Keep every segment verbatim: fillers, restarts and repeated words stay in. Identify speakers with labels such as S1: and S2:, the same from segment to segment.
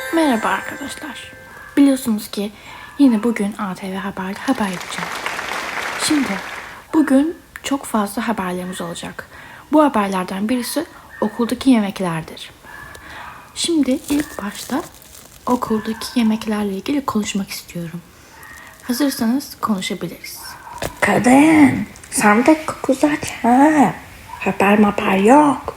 S1: Merhaba arkadaşlar. Biliyorsunuz ki yine bugün A T V Haber'de haber yapacağım. Şimdi bugün çok fazla haberlerimiz olacak. Bu haberlerden birisi okuldaki yemeklerdir. Şimdi ilk başta okuldaki yemeklerle ilgili konuşmak istiyorum. Hazırsanız konuşabiliriz.
S2: Kadın, sandık kokusu aç ha. Haber maper yok.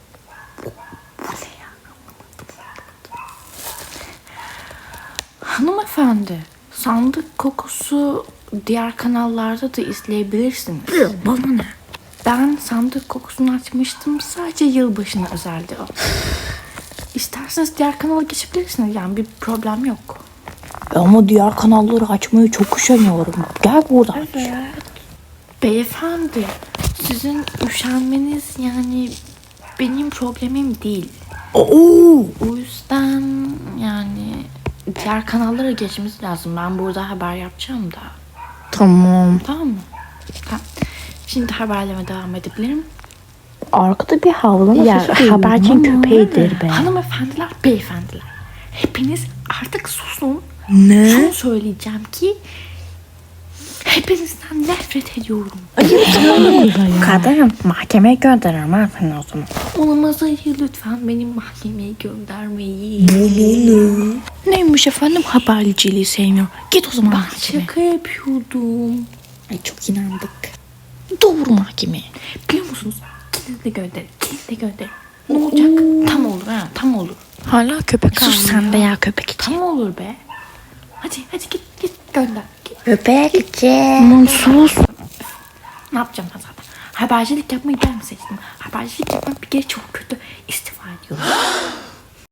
S1: Hanımefendi, sandık kokusu diğer kanallarda da izleyebilirsiniz.
S2: Bana ne?
S1: Ben sandık kokusunu açmıştım. Sadece yılbaşına özeldi o. İsterseniz diğer kanala geçebilirsiniz. Yani bir problem yok.
S2: Ama diğer kanalları açmayı çok üşeniyorum. Gel buradan.
S1: Beyefendi, sizin üşenmeniz yani benim problemim değil.
S2: Oo.
S1: O yüzden yani diğer kanallara geçmemiz lazım. Ben burada haber yapacağım da.
S2: Tamam.
S1: Tamam mı? Tamam. Şimdi haberleme devam edebilirim.
S2: Arkada bir havlama
S1: Ya,
S2: sesi duyuyorum
S1: habercinin
S2: ama.
S1: köpeğidir be. Hanımefendiler, beyefendiler. Hepiniz artık susun.
S2: Ne?
S1: Şunu söyleyeceğim ki hepinizden nefret ediyorum.
S2: Kadın, mahkemeye gönderirim ha seni o zaman.
S1: Olamaz, hayır, lütfen benim mahkemeye göndermeyin.
S2: Neymiş efendim, haberciliği sevmiyor. Git o zaman
S1: Ben
S2: mahkemeye.
S1: şaka yapıyordum.
S2: Ay çok inandık.
S1: Doğru mahkemeye. Biliyor musunuz? Kilitle gönder. Kilitle gönder. Ne olacak? Tam olur ha. Tam olur.
S2: Hala köpek
S1: Sus
S2: avlıyor.
S1: sen de
S2: ya köpek için.
S1: Tam olur be. Hadi hadi git git gönder. Git.
S2: Köpek için.
S1: Sus. Ne yapacağım ben zaten? Habercilik yapmayı ben mi seçtim? Habercilik yapmak bir kere çok kötü. İstifa ediyorum.